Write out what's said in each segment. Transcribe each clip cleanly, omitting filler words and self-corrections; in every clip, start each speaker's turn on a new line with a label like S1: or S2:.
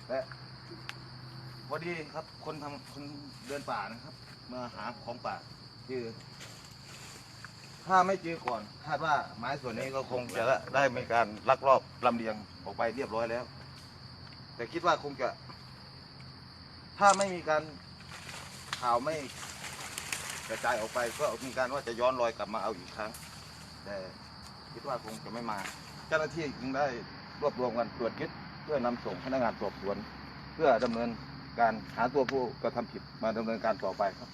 S1: และพอดีครับคนเดินป่านะครับมาหาของป่าคือถ้าไม่เจอก่อนคาดว่าไม้ส่วนนี้ก็คงจะได้มีการลักลอบลำเลียงออกไปเรียบร้อยแล้ว แต่คิดว่าคงจะถ้าไม่มีการข่าวไม่กระจายออกไปก็มีการว่าจะย้อนรอยกลับมาเอาอีกครั้งแต่คิดว่าคงจะไม่มาเจ้าหน้าที่จึงได้รวบรวมกันตรวจยึดเพื่อนำส่งพนักงานสอบสวนเพื่อดำเนินการหาตัวผู้กระทำผิดมาดำเนินการต่อไปครับ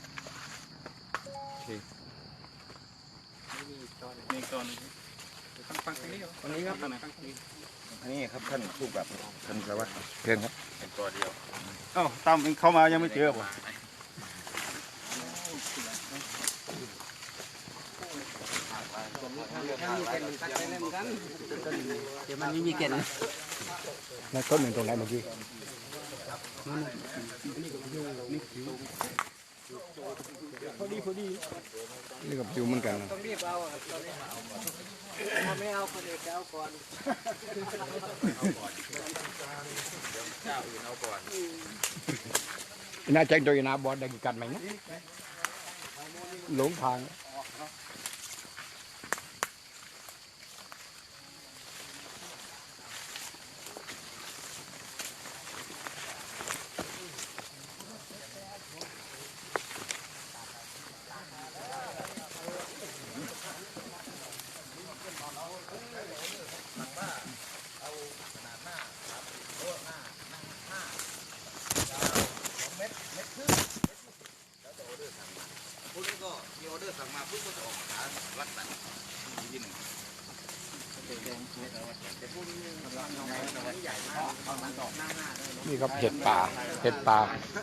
S2: มีก่อนฟังทางนี้ตรงนี้ครับทางไหนฟังทางนี้
S1: อันนี้ครับท่านผู้กับท่านสารวัตรเชิญครับ
S2: เป็นตัวเดียวอ้าวตามเข้ามายังไม่เจอป่ะ
S3: เดี๋ยวมันไม่มีเกล็ดนะ
S4: แล้วต้นหนึ่งตรงไหนเมื่อกี้นี่กับจิวเหมือนกันนะ
S3: ต้องรีบเอาถ้าไม่เอาคนอื่นจะเอาก่อน
S4: น่าแจ้งโดยนาบอลได้กี่กันไหมนะหลงทาง
S1: พวกนี้ก็มีออเดอร์สั่งมาปุ๊บก็จะออกหารักษาที่หนึ่ง
S4: นี่ครับเห็ดป่าเห็ดป่า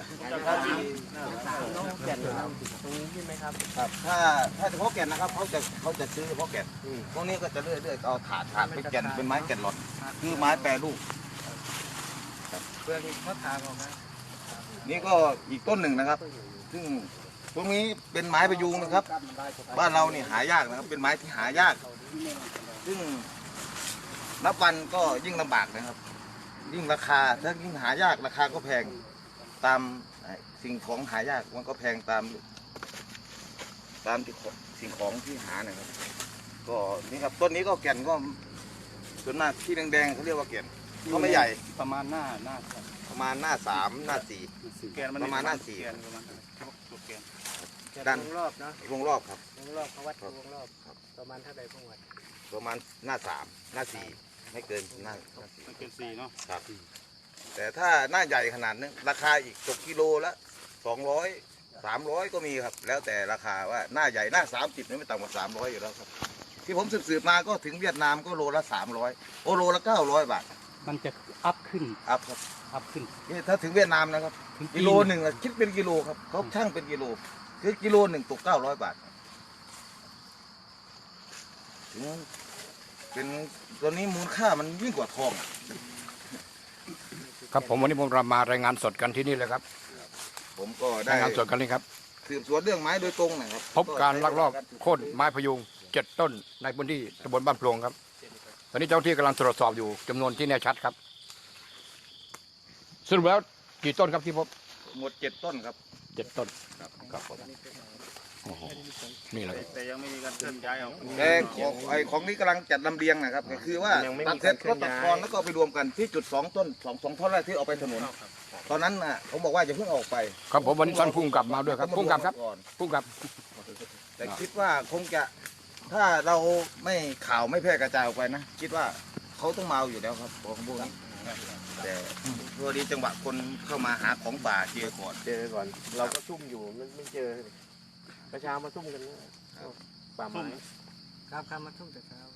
S1: ครับถ้าเฉพาะแก่นนะครับเขาจะซื้อเฉพาะแก่นพวกนี้ก็จะเลื่อยเอาถาดเป็นแก่นเป็นไม้แก่นหลอดคือไม้แปรรูป
S3: เพื่อนเขาทางออกมา
S1: นี่ก็อีกต้นหนึ่งนะครับ ซึ่งพวกนี้เป็นไม้ประยูงนะครับ บ้านเราเนี่ยหายากนะครับ เป็นไม้ที่หายาก ซึ่งนับวันก็ยิ่งลำบากนะครับ ยิ่งราคาถ้ายิ่งหายากราคาก็แพงตามสิ่งของหายากมันก็แพงตามที่สิ่งของที่หานะครับ ก็นี่ครับต้นนี้ก็แก่นก็ส่วนมากที่แดงๆเขาเรียกว่าแก่นก็ไม่ใหญ่
S2: ประมาณหน้า
S1: ประมาณหน้า3หน้า4
S2: แกนมัน
S1: ประมาณหน้า4
S2: แกนประมาณจุดแกน
S1: ด้าน
S3: วงรอบเนาะ
S1: วงรอบครับ
S3: วงรอบเขาวัดวงรอบประมาณเท่าใดพวกวัด
S1: ประมาณหน้า3หน้า4ไม่เกินหน้า
S2: มันเป็น4เนาะ
S1: ครับแต่ถ้าหน้าใหญ่ขนาดนึงราคาอีกตกกิโลละ200 300ก็มีครับ แล้วแต่ราคาว่าหน้าใหญ่หน้า30นี่ไม่ต่ำกว่า300อยู่แล้วครับที่ผมสืบมาก็ถึงเวียดนามก็โลละ300โลละ900 บาท
S4: มันจะอัพขึ้น
S1: อัพครับ
S4: อัพขึ้น
S1: นี่ถ้าถึงเวียดนามนะครับกิโลหนึ่งอะคิดเป็นกิโลครับเขาช่างเป็นกิโลคือกิโลหนึ่งตก900 บาทถึงเป็นตัวนี้มูลค่ามันยิ่งกว่าทองอะ
S4: ครับผมวันนี้ผมมารายงานสดกันที่นี่เลยครับ
S1: ผมก็ได้
S4: รายงานสดกันนี่ครับ
S1: สืบสวนเรื่องไม้โดยตรงนะครับ
S4: พบการลักลอบโค่นไม้พยุง7 ต้นในพื้นที่ตำบลบ้านโพลงครับ ตอนนี้เจ้าหน้าที่กำลังตรวจสอบอยู่จำนวนที่แน่ชัดครับสรุปแล้วกี่ต้นครับที่พบ
S1: หมด7 ต้นครับ
S4: 7 ต้นครับผมโอ้โหนี่เลย
S2: แต่ยังไม่มีการเคลื่อนย้ายเอา
S1: แต่ของนี้กำลังจัดลำเลียงนะครับก็คือว่าตัดเสร็จก็ตัดกรแล้วก็เอาไปรวมกันที่จุด2 ต้น2ท่อนแรกที่เอาไปถนนตอนนั้นน่ะผมบอกว่าอย่าเพิ่งออกไป
S4: ครับผมวันนี้ท่านพุ่งกลับมาด้วยครับพุ่งกลับครับ
S1: ก่อน
S4: พุ่งกลับ
S1: แต่คิดว่าคงจะถ้าเราไม่ข่าวไม่แพร่กระจายออกไปนะคิดว่าเขาต้องมาเอาอยู่แล้วครับของพวกนี้แต่พอดีจังหวะคนเข้ามาหาของป่าเจอก่อน
S3: เจอก่อน เราก็ซุ่มอยู่ไม่เจอประชามาซุ่มกันป่าไม้ครับมาซุ่มแต่เช้า